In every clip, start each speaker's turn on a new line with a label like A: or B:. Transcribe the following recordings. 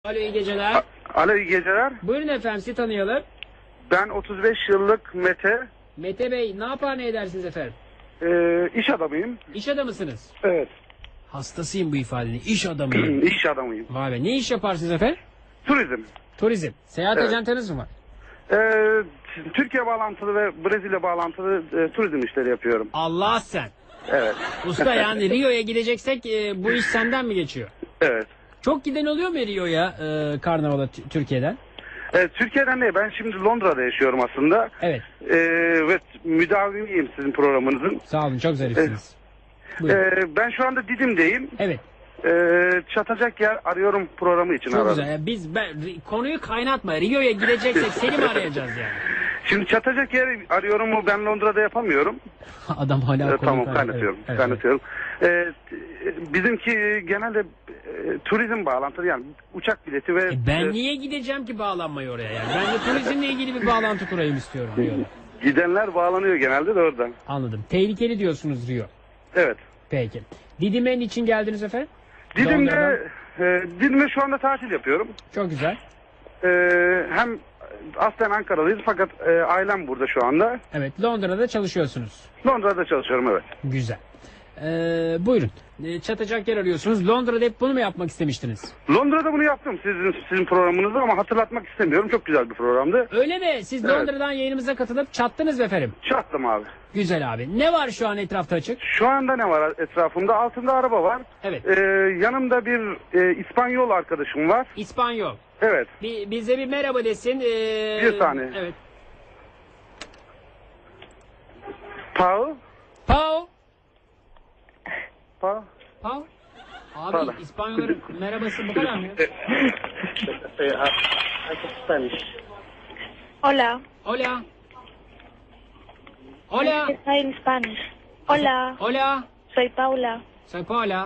A: Alo, iyi geceler.
B: Alo, iyi geceler.
A: Buyurun efendim, sizi tanıyalım.
B: Ben 35 yıllık Mete.
A: Mete Bey, ne yapar ne edersiniz efendim?
B: İş adamıyım.
A: İş adamısınız.
B: Evet.
A: Hastasıyım bu ifadenin. İş adamıyım.
B: İş adamıyım.
A: Vay be, ne iş yaparsınız efendim?
B: Turizm.
A: Turizm. Seyahat
B: Evet.
A: ajantanız mı var?
B: Türkiye bağlantılı ve Brezilya bağlantılı turizm işleri yapıyorum.
A: Allah sen.
B: Evet.
A: Usta yani Rio'ya gideceksek bu iş senden mi geçiyor?
B: Evet.
A: Çok giden oluyor mu Rio'ya karnavala Türkiye'den?
B: Türkiye'den ne? Ben şimdi Londra'da yaşıyorum aslında.
A: Evet.
B: Ve müdavimiyim sizin programınızın.
A: Sağ olun, çok zarifsiniz. Buyurun.
B: Ben şu anda Didim'deyim.
A: Evet.
B: Çatacak yer arıyorum programı için
A: Çok
B: aradım.
A: güzel. Yani konuyu kaynatma. Rio'ya gideceksek seni mi arayacağız yani?
B: Şimdi çatacak yer arıyorum mu, ben Londra'da yapamıyorum.
A: Adam hala konuyu
B: Tamam, kaynatıyorum.
A: Evet,
B: Kaynatıyorum. Bizimki genelde turizm bağlantılı, yani uçak bileti ve...
A: Ben niye gideceğim ki bağlanmayı oraya yani? Ben de turizmle ilgili bir bağlantı kurayım istiyorum Rio'da.
B: Gidenler bağlanıyor genelde de oradan.
A: Anladım. Tehlikeli diyorsunuz Rio.
B: Evet.
A: Peki. Didim'e niçin geldiniz efendim?
B: Didim'de şu anda tatil yapıyorum.
A: Çok güzel.
B: Hem aslen Ankaralıyız fakat ailem burada şu anda.
A: Evet, Londra'da çalışıyorsunuz.
B: Londra'da çalışıyorum, evet.
A: Güzel. Buyurun. Çatacak yer arıyorsunuz. Londra'da hep bunu mu yapmak istemiştiniz?
B: Londra'da bunu yaptım sizin programınızda ama hatırlatmak istemiyorum. Çok güzel bir programdı.
A: Öyle mi? Siz
B: Evet.
A: Londra'dan yayınımıza katılıp çattınız mı efendim?
B: Çattım abi.
A: Güzel abi. Ne var şu an etrafta açık?
B: Şu anda ne var etrafımda? Altında araba var.
A: Evet.
B: Yanımda bir İspanyol arkadaşım var.
A: İspanyol.
B: Evet.
A: Bize bir merhaba desin.
B: Bir saniye.
A: Evet.
B: Pau.
A: Pau.
B: Pau.
A: Pau. Abi
B: Pardon.
A: İspanyolların merhabası bu kadar mı?
B: Spanish.
C: Hola.
A: Hola. Hola.
C: Estoy en Spanish. Hola.
A: Hola.
C: Soy Paula.
A: Soy Paula.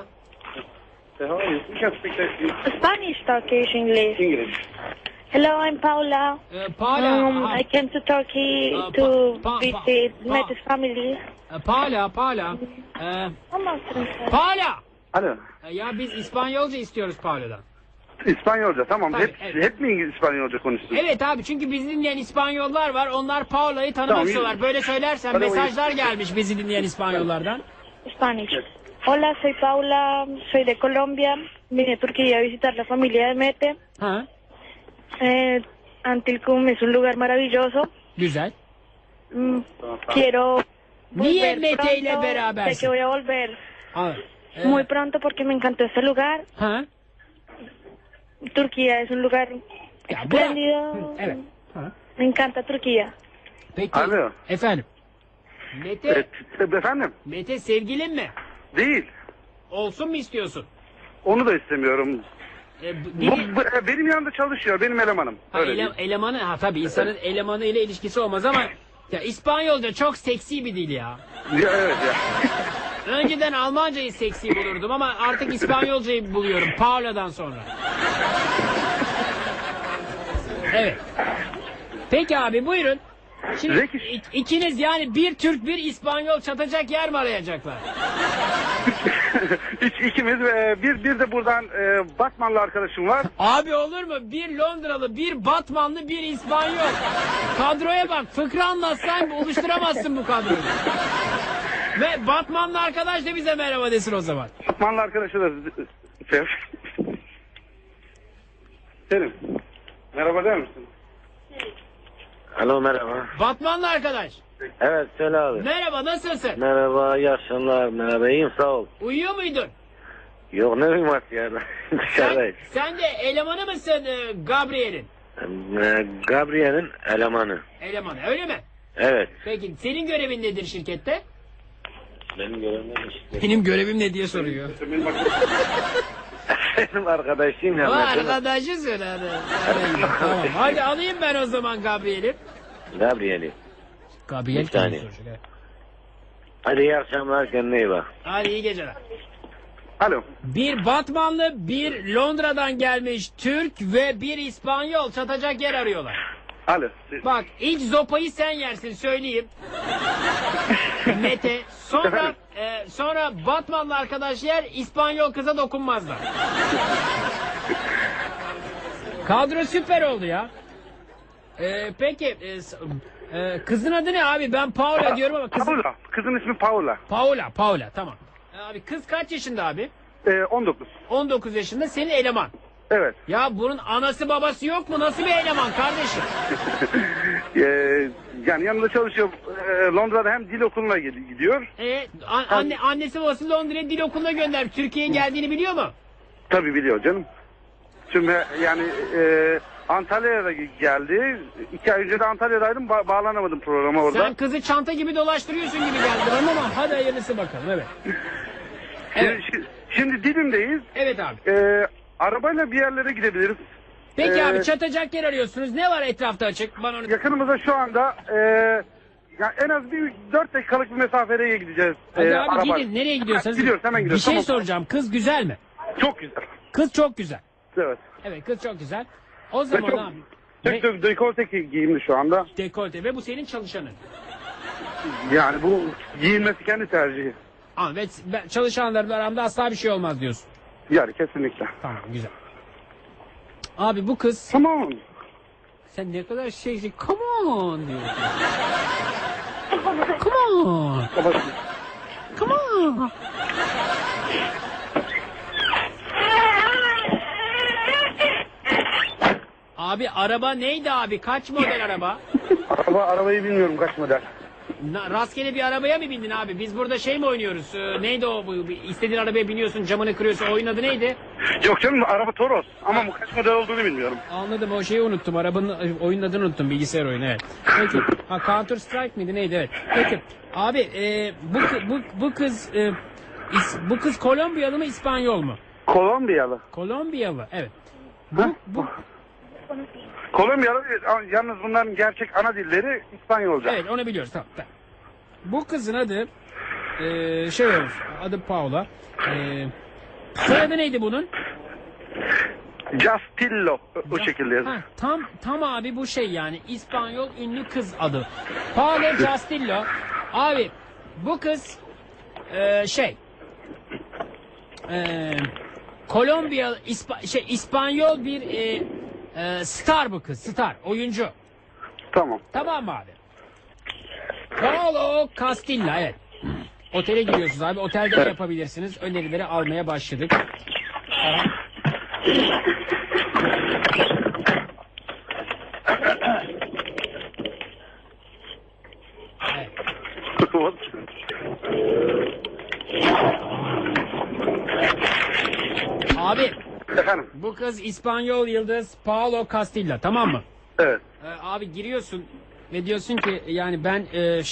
C: Spanish, Turkish, English.
B: English.
C: Hello, I'm Paula.
A: Paula.
C: I came to Turkey
A: Pa-
C: to
A: pa-
C: visit
A: pa-
C: Mete's family.
A: Paula. Paula.
C: Vamos,
A: Paula.
B: Alo.
A: Ya biz İspanyolca istiyoruz Paula'dan.
B: İspanyolca, tamam.
A: Tabii,
B: hep,
A: evet.
B: hep mi İspanyolca konuştun?
A: Evet abi, çünkü bizi dinleyen İspanyollar var. Onlar Paula'yı tanımak
B: Tamam,
A: istiyorlar. Böyle söylersen
B: Tamam,
A: mesajlar gelmiş bizi dinleyen İspanyollardan.
C: Spanish. Hola, soy Paula. Soy de Colombia. Vine a Turquía a visitar la familia de Mete.
A: Ha,
C: Antilcum es un lugar maravilloso.
A: güzel.
C: Quiero
A: Niye
C: volver
A: Mete ile
C: pronto. Sé
A: berabersin?
C: que voy a volver
A: Ha,
C: muy pronto porque me encantó este lugar.
A: ha.
C: Turquía es un lugar
A: Ya bırak.
C: espléndido.
A: Evet. Ha.
C: Me encanta Turquía.
A: Peki.
B: Alo.
A: Efendim. Mete,
B: Efendim?
A: Mete sevgilin mi?
B: Değil.
A: Olsun mu istiyorsun?
B: Onu da istemiyorum. Benim yanımda çalışıyor, benim elemanım. Öyle diyeyim.
A: Elemanı, tabii insanın elemanı ile ilişkisi olmaz ama ya İspanyolca çok seksi bir dil ya.
B: Ya, evet ya.
A: Önceden Almancayı seksi bulurdum ama artık İspanyolcayı buluyorum Paula'dan sonra. Evet. Peki abi, buyurun. Şimdi
B: Peki.
A: ikiniz, yani bir Türk bir İspanyol çatacak yer mi arayacaklar?
B: İkimiz bir de buradan Batmanlı arkadaşım var.
A: Abi olur mu? Bir Londralı, bir Batmanlı, bir İspanyol. Kadroya bak. Fıkra anlatsan oluşturamazsın bu kadroyu. Ve Batmanlı arkadaş da bize merhaba desin o zaman.
B: Batmanlı arkadaşı da Selim. Merhaba der misin?
D: Alo, merhaba.
A: Batmanlı arkadaş.
D: Evet, söyle abi.
A: Merhaba, nasılsın?
D: Merhaba, iyi akşamlar. Merhaba, iyiyim, sağ ol.
A: Uyuyor muydun?
D: Yok, ne uyuması ya? Dışarıdayız.
A: Sen de elemanı mısın Gabriel'in?
D: Gabriel'in elemanı.
A: Elemanı, öyle mi?
D: Evet.
A: Peki senin görevin nedir şirkette?
D: Benim görevim işte.
A: Benim görevim ne diye soruyor.
D: Benim arkadaşım ya.
A: O
D: mesela.
A: arkadaşı söyle hadi. Tamam, hadi alayım ben o zaman Gabriel'i.
D: Gabriel'i.
A: Gabriel
D: Bir saniye.
A: kim soracak?
D: Hadi iyi akşamlar, kendine iyi bak.
A: Hadi iyi geceler.
B: Alo.
A: Bir Batmanlı, bir Londra'dan gelmiş Türk ve bir İspanyol çatacak yer arıyorlar.
B: Alo.
A: Bak, ilk zopayı sen yersin söyleyeyim. Mete. Sonra Batmanlı arkadaş yer, İspanyol kıza dokunmazlar. Kadro süper oldu ya. Peki kızın adı ne abi? Ben Paula diyorum ama kızın...
B: Paula. Kızın ismi Paula.
A: Paula tamam. Abi kız kaç yaşında abi?
B: 19.
A: 19 yaşında, senin eleman.
B: Evet.
A: Ya bunun anası babası yok mu? Nasıl bir eleman kardeşim?
B: Yani yanında çalışıyor. Londra'da hem dil okuluna gidiyor.
A: Annesi babası Londra'ya dil okuluna gönder. Türkiye'ye geldiğini biliyor mu?
B: Tabii biliyor canım. Şimdi yani Antalya'ya da geldi. 2 ay önce de Antalya'daydım. Bağlanamadım programa orada.
A: Sen kızı çanta gibi dolaştırıyorsun gibi geldi bana ama hadi hayırlısı bakalım, evet. Evet.
B: Şimdi Didim'deyiz.
A: Evet abi.
B: Arabayla bir yerlere gidebiliriz.
A: Peki abi, çatacak yer arıyorsunuz. Ne var etrafta açık? Bana onu...
B: Yakınımızda şu anda yani en az bir 4 dakikalık bir mesafeye gideceğiz.
A: Hadi abi
B: araba.
A: gidin. Nereye gidiyorsanız.
B: Gidiyoruz, hemen gidiyoruz.
A: Bir şey
B: Tamam.
A: soracağım. Kız güzel mi?
B: Çok güzel.
A: Kız çok güzel.
B: Evet.
A: Evet, kız çok güzel. O
B: Ve
A: zaman
B: çok,
A: abi.
B: çok dekolte giyimli şu anda.
A: Dekolte ve bu senin çalışanın.
B: Yani bu giyinmesi kendi tercihi.
A: Ve çalışanlarla aramda asla bir şey olmaz diyorsun.
B: Yani kesinlikle.
A: Tamam, güzel. Abi bu kız...
B: Tamam.
A: Sen ne kadar şey... Come on diyor. Come on. Come on. Abi araba neydi abi? Kaç model araba?
B: Arabayı bilmiyorum kaç model.
A: Rastgele bir arabaya mı bindin abi? Biz burada şey mi oynuyoruz? Neydi o? İstediğin arabaya biniyorsun, camını kırıyorsun. Oyun adı neydi?
B: Yok canım, araba Toros ama bu kaç model olduğunu bilmiyorum.
A: Anladım, o şeyi unuttum. Arabanın oyun adını unuttum. Bilgisayar oyunu, evet. Peki. Counter Strike miydi neydi? Evet. Peki. Abi bu kız Kolombiyalı mı, İspanyol mu?
B: Kolombiyalı.
A: Kolombiyalı, evet.
B: Kolombiyalı, yalnız bunların gerçek ana dilleri İspanyolca.
A: Evet, onu biliyoruz, tamam. Bu kızın adı şey olmuş, adı Paula. Soyadı neydi bunun?
B: Castillo, o şekilde yazıyor.
A: Tam abi bu şey yani İspanyol ünlü kız adı. Paula Castillo. Abi bu kız Kolombiya İspanyol bir star, bu kız star, oyuncu.
B: Tamam.
A: Tamam mı abi? Paolo Castillo, evet. Otele gidiyorsunuz abi. Otelde de yapabilirsiniz. Önerileri almaya başladık. Evet. Abi
B: Efendim?
A: bu kız İspanyol yıldız Paolo Castillo, tamam mı?
B: Evet.
A: Abi giriyorsun ve diyorsun ki yani ben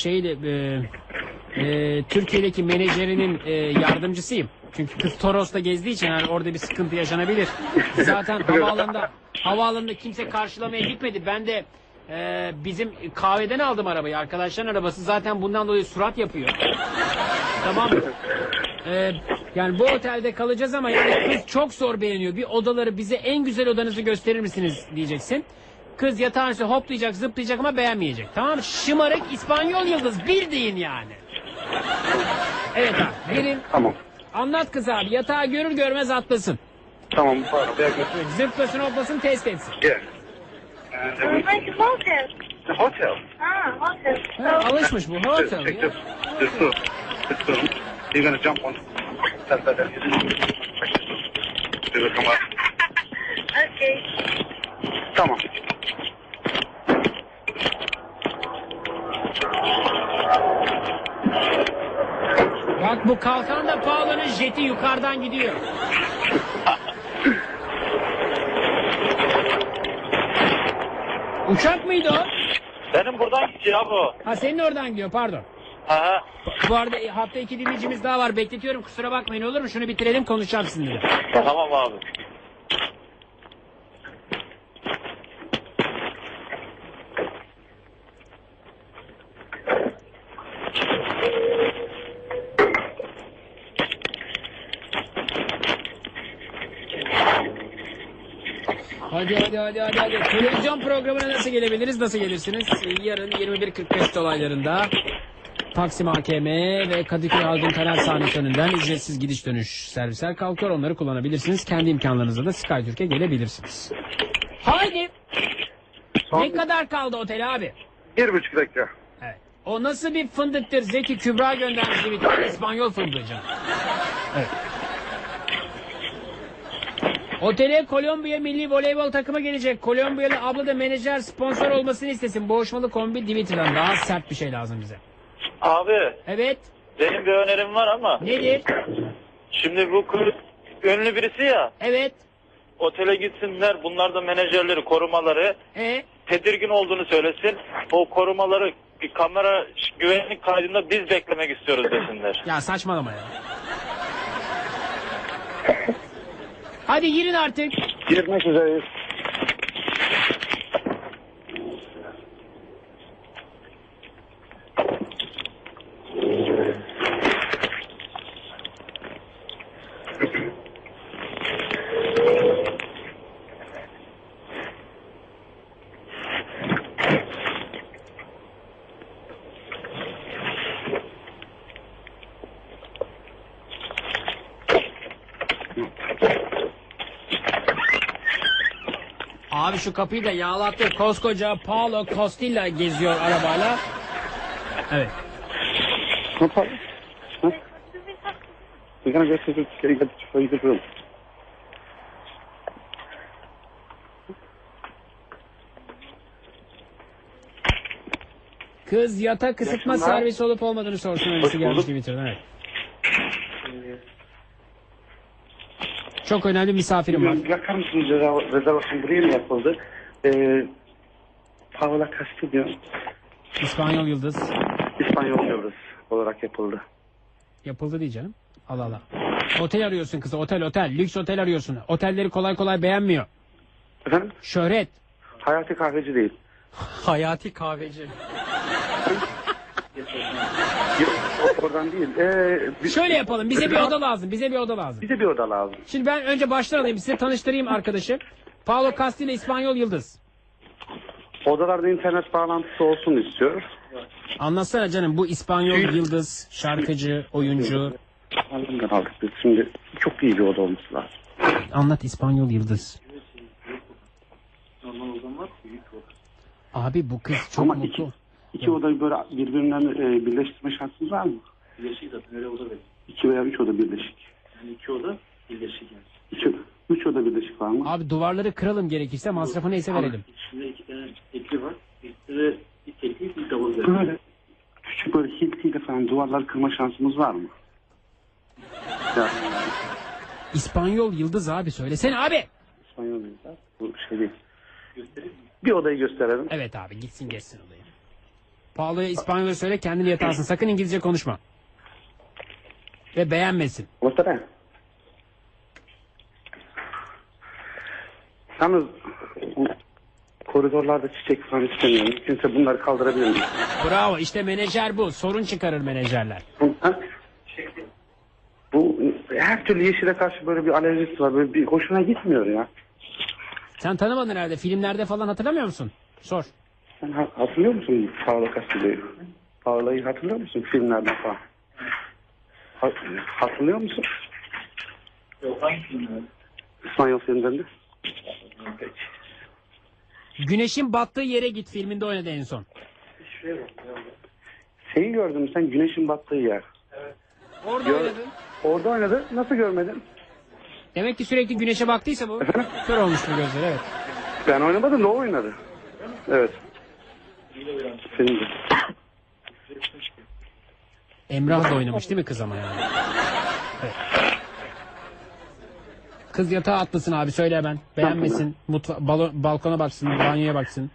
A: Türkiye'deki menajerinin yardımcısıyım. Çünkü kız Toros'ta gezdiği için yani orada bir sıkıntı yaşanabilir. Zaten havaalanında kimse karşılamaya gitmedi. Ben de bizim kahveden aldım arabayı. Arkadaşların arabası, zaten bundan dolayı surat yapıyor. Tamam mı? Yani bu otelde kalacağız ama yani kız çok zor beğeniyor. Bir odaları, bize en güzel odanızı gösterir misiniz diyeceksin. Kız yatağın üstüne hoplayacak, zıplayacak ama beğenmeyecek. Tamam mı? Şımarık İspanyol yıldız, bildiğin yani. Evet abi, gelin.
B: Tamam.
A: Anlat kız abi, yatağı görür görmez atlasın.
B: Tamam, bu arabaya götür.
A: Zıplasın hoplasın, test etsin.
B: Gel.
C: Hotel.
B: Hotel.
A: Ha, alışmış bu hotel.
B: Check
A: Ya.
B: this room. This room. You're gonna jump on.
C: Okay.
B: Tamam.
A: Bak bu kalkan da Paolo'nun jeti yukarıdan gidiyor. Uçak mıydı o?
D: Benim buradan gidiyor bu.
A: Ha, senin oradan gidiyor, pardon.
D: Aha.
A: Bu arada hafta 2 dinleyicimiz daha var, bekletiyorum, kusura bakmayın, olur mu? Şunu bitirelim, konuşacağım sizinle.
D: Tamam abi.
A: Hadi. Televizyon programına nasıl gelebiliriz, nasıl gelirsiniz? Yarın 21.45 dolaylarında Taksim AKM ve Kadıköy Haldun Kanal sahnesi önünden ücretsiz gidiş dönüş servisler kalkıyor. Onları kullanabilirsiniz. Kendi imkanlarınızla da SkyTürk'e gelebilirsiniz. Haydi.
B: Son
A: Ne kadar kaldı otel abi?
B: 1,5 dakika.
A: Evet. O nasıl bir fındıktır? Zeki Kübra göndermiş bir tane İspanyol fındığı canım. Evet. Otele Kolombiya milli voleybol takımı gelecek. Kolombiyalı abla da menajer sponsor olmasını istesin. Boğuşmalı kombi Twitter'dan. Daha sert bir şey lazım bize.
D: Abi
A: Evet.
D: benim bir önerim var ama.
A: Nedir?
D: Şimdi bu kız ünlü birisi ya.
A: Evet.
D: Otele gitsinler. Bunlar da menajerleri, korumaları. Tedirgin olduğunu söylesin. O korumaları bir kamera güvenlik kaydında biz beklemek istiyoruz desinler.
A: Ya saçmalama ya. Hadi girin artık.
B: Girmek üzereyiz.
A: Abi şu kapıyı da yağlattı. Koskoca Paolo Costilla geziyor arabayla. Evet.
B: No problem. Huh? We're gonna go to the room.
A: Kız yatak ısıtma
B: Yaşınlar.
A: servisi olup olmadığını sorsun. Öylesi gelmiş
B: bulduk.
A: Twitter'dan. Evet. Çok önemli misafirim var.
B: Bakar mısınız rezervasyon buraya mı yapıldı? Paola Castillo,
A: İspanyol Yıldız.
B: İspanyol yıldız olarak yapıldı.
A: Yapıldı diye canım. Allah Allah. Otel arıyorsun kızı. Otel. Lüks otel arıyorsun. Otelleri kolay kolay beğenmiyor.
B: Efendim?
A: Şöhret.
B: Hayati kahveci değil.
A: Hayati kahveci.
B: Yok, oradan değil.
A: Şöyle yapalım. Bize bir oda lazım. Bize bir oda lazım.
B: Bize bir oda lazım.
A: Şimdi ben önce baştan alayım. Size tanıştırayım arkadaşı. Paolo Castilla İspanyol Yıldız.
B: Odalarda internet bağlantısı olsun istiyoruz.
A: Anlatsana canım, bu İspanyol Yıldız, şarkıcı, oyuncu.
B: Anlamdan aldık biz. Şimdi çok iyi bir oda olması lazım.
A: Anlat İspanyol Yıldız.
B: Normal odam var. Büyük oda.
A: Abi bu kız çok
B: Ama
A: mutlu.
B: İki odayı böyle birbirinden birleştirme şansınız var mı?
E: Birleşik zaten öyle oda verir.
B: 2 veya 3 oda birleşik.
E: Yani 2 oda birleşik yani.
B: 3 oda birleşik var mı?
A: Abi duvarları kıralım gerekirse, masrafı neyse verelim.
E: İçinde 2 tane tekli var. Birisi de bir tekli bir double verir.
B: Böyle küçük böyle hiltiyle falan duvarları kırma şansımız var mı? Ya,
A: İspanyol Yıldız abi, söylesene abi.
B: İspanyol yıldız. Bu şey değil.
E: Göstereyim mi?
B: Bir odayı gösterelim.
A: Evet abi, gitsin geçsin odayı. Paolo'ya İspanyolca söyle, kendini yatarsın. Sakın İngilizce konuşma. Ve beğenmesin.
B: Ortada. Yalnız bu koridorlarda çiçek falan istemiyorum. Mümkünse bunları kaldırabilir miyim?
A: Bravo, işte menajer bu. Sorun çıkarır menajerler.
B: Ha? Bu her türlü yeşile karşı böyle bir alerjisi var. Böyle bir hoşuna gitmiyor ya.
A: Sen tanımadın herhalde. Filmlerde falan hatırlamıyor musun? Sor.
B: Sen hatırlıyor musun Paola Castillo'yu? Paola'yı hatırlıyor musun filmlerden falan? Hatırlıyor musun?
E: Yok hangi filmler?
B: İspanyol filmlerinde.
E: Peki.
A: Güneşin battığı yere git filminde oynadı en son.
E: Şuraya bak.
B: Şeyi gördün mü sen, güneşin battığı yer?
A: Orada
B: Gör-
A: oynadın.
B: Orada oynadı. Nasıl görmedin?
A: Demek ki sürekli güneşe baktıysa bu. Kör olmuştur gözleri, evet.
B: Ben oynamadım da o oynadı. Evet. Filmde.
A: Emrah da oynamış değil mi kız ama yani? Evet. Kız yatağa atlasın abi, söyle hemen. Beğenmesin. Balkona baksın, banyoya baksın.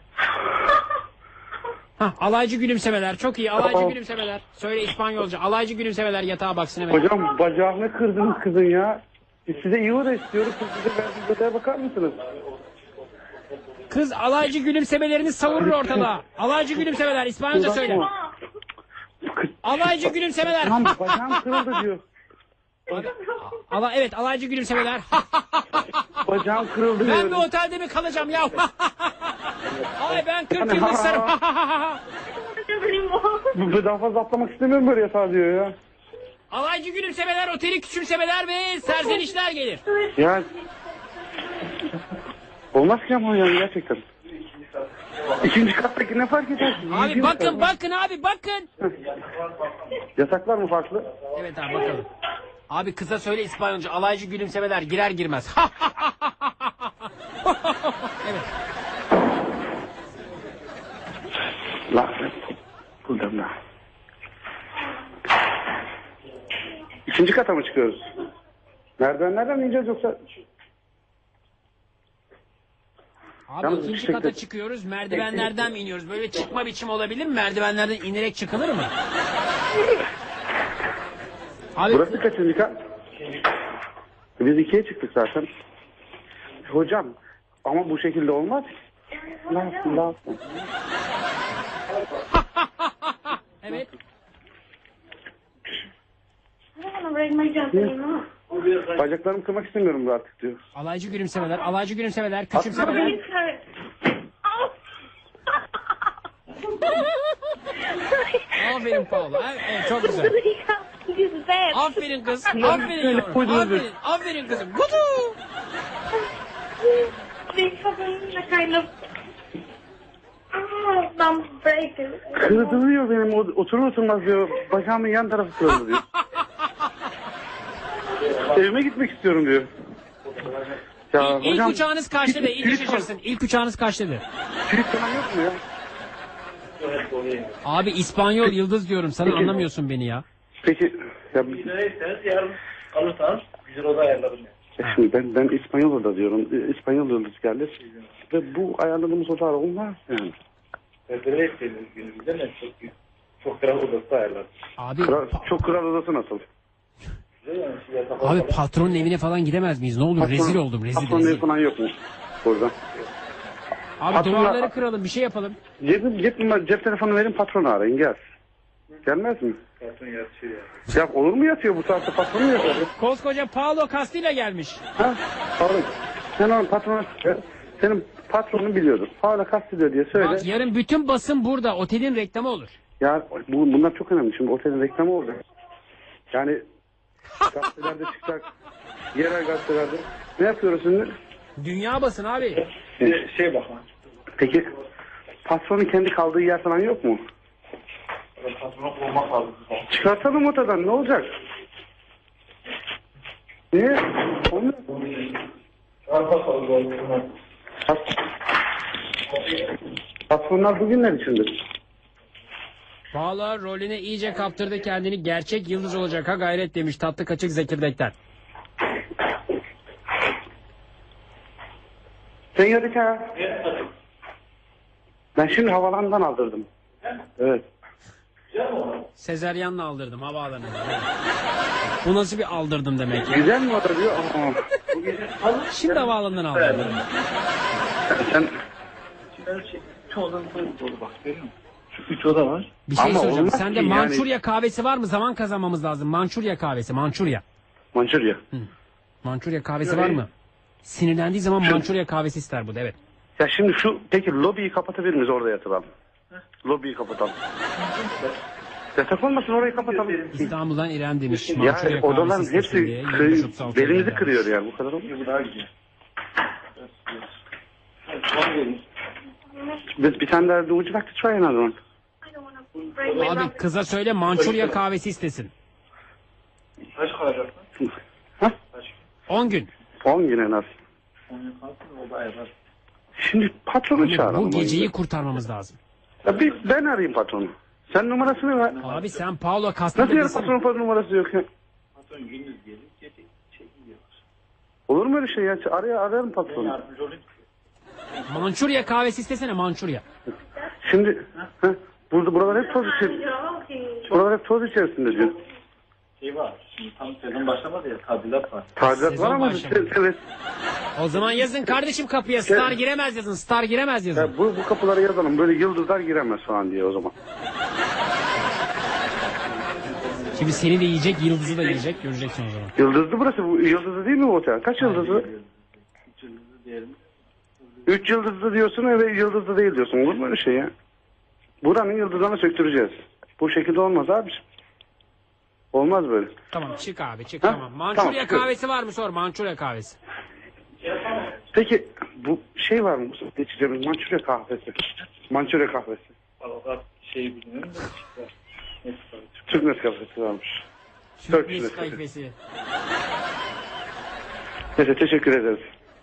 A: Hah, alaycı gülümsemeler. Çok iyi, alaycı gülümsemeler. Söyle İspanyolca. Alaycı gülümsemeler, yatağa baksın hemen.
B: Hocam bacağını kırdınız kızın ya. Biz size iyi oda istiyoruz. Siz bize verdiğiniz odaya bakar mısınız?
A: Kız alaycı gülümsemelerini savurur ortalığa. Alaycı gülümsemeler, İspanyolca söyle. Alaycı gülümsemeler.
B: Tamam, bacağım kırıldı diyor.
A: Evet, alaycı gülümsemeler.
B: Bacağım kırıldı diyor.
A: Ben bir otelde mi kalacağım ya? Ay ben 40 yıllık sarım.
B: Daha fazla atlamak istemiyorum böyle yatağa diyor ya.
A: Alaycı gülümsemeler, oteli küçümsemeler ve serzenişler gelir.
B: Ya Olmaz ki ama yani gerçekten. İkinci kattaki ne fark eder ki?
A: Abi
B: Yediğimiz
A: bakın
B: kadar.
A: bakın abi bakın.
B: Yasaklar mı farklı?
A: Evet abi bakalım. Abi kısa söyle İspanyolca alaycı gülümsemeler girer girmez. Evet.
B: La. Buradan da. İkinci kata mı çıkıyoruz? Merdivenlerden mi ineceğiz yoksa?
A: Abi
B: Yalnız
A: ikinci
B: yüksekte-
A: kata çıkıyoruz. Merdivenlerden mi iniyoruz? Böyle çıkma biçimi olabilir mi? Merdivenlerden inerek çıkılır mı? Abi
B: Burası kaçıncı kat? Biz ikiye çıktık zaten. Hocam ama bu şekilde olmaz. La.
A: evet.
B: Bacaklarımı kırmak istemiyorum artık diyor.
A: Alaycı gülümsemeler, alaycı gülümsemeler, küçümsemeler. Aferin Paula. Evet, çok güzel. Aferin kız. Aferin yavrum. Aferin. Aferin kızım. Kutu.
B: Kırdırıyor benim oturur oturmaz diyor. Bacağımın yan tarafı kırıldı diyor. Evime gitmek istiyorum diyor. Ya
A: İlk
B: hocam,
A: uçağınız kaçta da? İlk
B: kilit
A: şaşırsın. İlk uçağınız kaçta da?
B: Kilit falan yok mu ya?
A: Abi İspanyol yıldız diyorum sana anlamıyorsun beni ya.
B: Peki ya,
E: Giderseniz yarın alırsanız güzel oda ayarlarım.
B: şimdi ben İspanyol oda diyorum. İspanyol yıldız geldi. Ve bu ayarladığımız odalar olmaz yani.
E: Federe ettiğiniz günümüzde ne çok kral odası ayarlarım.
A: Abi
B: Çok kral odası nasıl?
E: Güzel yani şey yatak
A: abi patronun evine falan gidemez miyiz? Ne olur rezil oldum rezil
B: Patron evi
A: rezil.
B: falan yok mu burada?
A: Abi
B: Patron-
A: duvarları kıralım bir şey yapalım.
B: Cep telefonu verin, patronu arayın gel. Gelmez mi?
E: patron yatıyor yani.
B: Ya olur mu yatıyor bu saatte, patronu mu yatıyor?
A: Koskoca Paolo Castilla gelmiş.
B: Ha? Oğlum, sen onun patronu, senin patronun biliyordur. Hala kastediyor diye söyle.
A: Bak yarın bütün basın burada. Otelin reklamı olur.
B: Ya bunlar çok önemli. Şimdi otelin reklamı olacak. Yani gazetelerde çıkacak. Yerel gazetelerde. Ne yapıyoruz şimdi?
A: Dünya basın abi.
E: Şey bak lan.
B: Peki patronun kendi kaldığı yer falan yok mu?
E: Patronu bulmak lazım.
B: Çıkartalım otadan, ne olacak? Niye? Olmuyor. Patronlar bugünler içindir.
A: Paolo rolüne iyice kaptırdı kendini. Gerçek yıldız olacak ha gayret demiş tatlı kaçık Zekirdek'ten.
B: Senyorita. Ben şimdi havalandan aldırdım. Evet.
A: Sezeryan'la aldırdım havaalanında. Bu nasıl bir aldırdım demek ya.
B: Güzel mi oda diyor?
A: Şimdi havaalanından aldırdım.
B: Sen
E: Üç odanın dolu bak görüyor musun? Şu 3 oda var.
A: Bir şey
B: Ama
A: soracağım.
B: olmaz
A: Sende
B: ki yani.
A: Mançurya kahvesi var mı? Zaman kazanmamız lazım. Mançurya kahvesi. Mançurya.
B: Mançurya.
A: Mançurya kahvesi var mı? Sinirlendiği zaman Mançurya kahvesi ister bu da evet.
B: Ya şimdi şu peki lobiyi kapatabilir miyiz, orada yatılalım? Lobiyi kapatalım. Yatak olmasın, orayı kapatalım.
A: İstanbul'dan İrem demiş.
B: Ya
A: Mançurya
B: odaların
A: kahvesi
B: hepsi
A: istesin diye. 736
B: belimizi
A: lira
B: kırıyor
A: vermiş.
B: yani, bu kadar olmuyor.
E: Bu daha güzel. Son gelin.
B: Bir tane daha, would you like to try another one?
A: Abi kıza söyle Mançurya kahvesi istesin.
E: Kaç kalacak lan?
B: Ha?
A: 10 gün.
B: 10 gün en az.
E: Onun kalsın oda ayarlar.
B: Şimdi patronu çağıralım.
A: Bu geceyi kurtarmamız lazım.
B: Ya ben arayayım patronu. Sen numarasını ver.
A: Abi sen Paolo
B: Nasıl
A: Castilla
B: yani
A: desene.
B: patronun numarası yok ya?
E: Patron gündüz gelir. Gece gidiyorlar.
B: Olur mu öyle şey ya? Ararım patronu.
E: Yardımcı olayım.
A: Mançurya kahvesi istesene Mançurya.
B: Şimdi buralar hep toz içerisinde. Buralar hep toz içerisinde diyor.
E: Şey var. Şimdi tam sezon başlamadı ya. Tadilat var.
B: Tadilat
A: Sezon
B: var ama
A: başlamadı.
B: evet.
A: O zaman yazın kardeşim kapıya star giremez yazın. Star giremez yazın.
B: Ya bu kapılara yazalım. Böyle yıldızlar giremez falan diye o zaman.
A: Şimdi seni de yiyecek yıldızı da yiyecek göreceksin o zaman.
B: Yıldızlı burası. Bu yıldızlı değil mi bu otel? Kaç yıldızlı?
E: 3 yıldızlı diyelim.
B: 3 yıldızlı diyorsun ve yıldızlı değil diyorsun. Olur mu öyle şey ya? Buranın yıldızlarını söktüreceğiz. Bu şekilde olmaz abi. Olmaz böyle.
A: Tamam çık abi çık
B: Ha?
A: tamam. Mançurya
B: Tamam.
A: kahvesi var mı sor Mançurya kahvesi.
B: Peki bu şey var mı? Geçeceğimiz Mançurya kahvesi. Mançurya kahvesi.
E: Valla şey bilmiyorum da işte. Neyse,
B: Türk Nescafesi varmış.
A: Türk
B: Nescafesi.
A: Nescafesi.
B: Neyse teşekkür ederiz.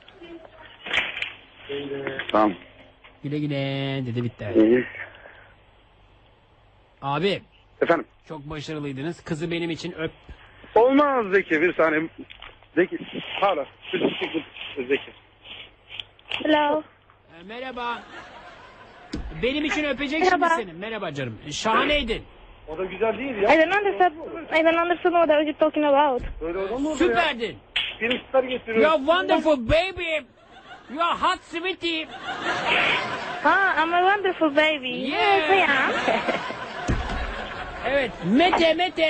B: Tamam.
A: Güle güle dedi bitti.
B: İyi.
A: Abi
B: Efendim.
A: çok başarılıydınız. Kızı benim için öp.
B: Olmaz Zeki, bir saniye. Zeki. Hala. Zeki.
C: Hello.
A: Merhaba. Benim için öpecek şimdi
C: Merhaba.
A: seni. Merhaba canım. Şahaneydin.
B: O da güzel değil
C: I don't understand what are you talking about.
B: Böyle adam mı olur
A: Süperdin.
B: Benim star getiriyor.
A: You're wonderful baby. You're hot sweetie.
C: Ah, I'm a wonderful baby.
A: Yeah.
C: Yes, I am.
A: Evet. Mete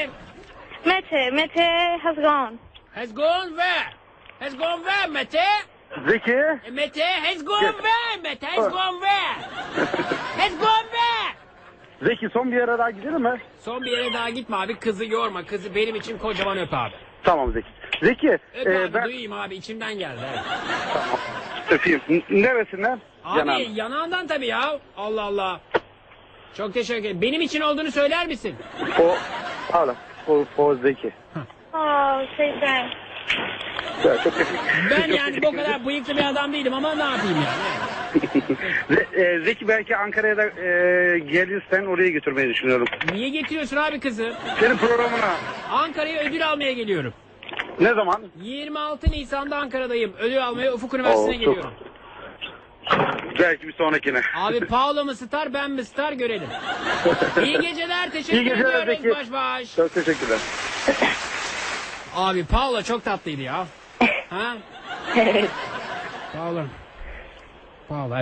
C: Mete has gone.
A: has gone where? Has gone where Mete?
B: Zeki.
A: Mete has gone where? Mete has gone where? Has gone where?
B: Zeki son bir yere daha gidelim mi?
A: Son bir yere daha gitme abi. Kızı yorma. Kızı benim için kocaman öp abi.
B: Tamam Zeki. Zeki.
A: Öp abi
B: ben
A: duyayım abi. İçimden geldi. Evet.
B: öpeyim. Neresinden?
A: Abi
B: Yanağım.
A: yanağından tabii ya. Allah Allah. Çok teşekkür ederim. Benim için olduğunu söyler misin?
B: O. Hala. O Zeki.
C: Oh, say thanks.
B: Ya, çok teşekkür
A: Ben
B: çok
A: yani
B: teşekkür
A: bu kadar bıyıklı bir adam değilim ama ne yapayım yani.
B: Zeki belki Ankara'ya da gelirsen oraya götürmeyi düşünüyorum.
A: Niye getiriyorsun abi kızı?
B: Senin programına.
A: Ankara'ya ödül almaya geliyorum.
B: Ne zaman?
A: 26 Nisan'da Ankara'dayım. Ödül almaya Ufuk Üniversitesi'ne
B: Oo, çok-
A: geliyorum.
B: Belki bir sonrakine.
A: Abi Paolo mu star ben mi star görelim. İyi geceler teşekkür
B: İyi geceler
A: ediyoruz
B: Zeki.
A: baş baş.
B: Çok teşekkürler.
A: Abi Paolo çok tatlıydı ya. Ha? Paolo. Paolo.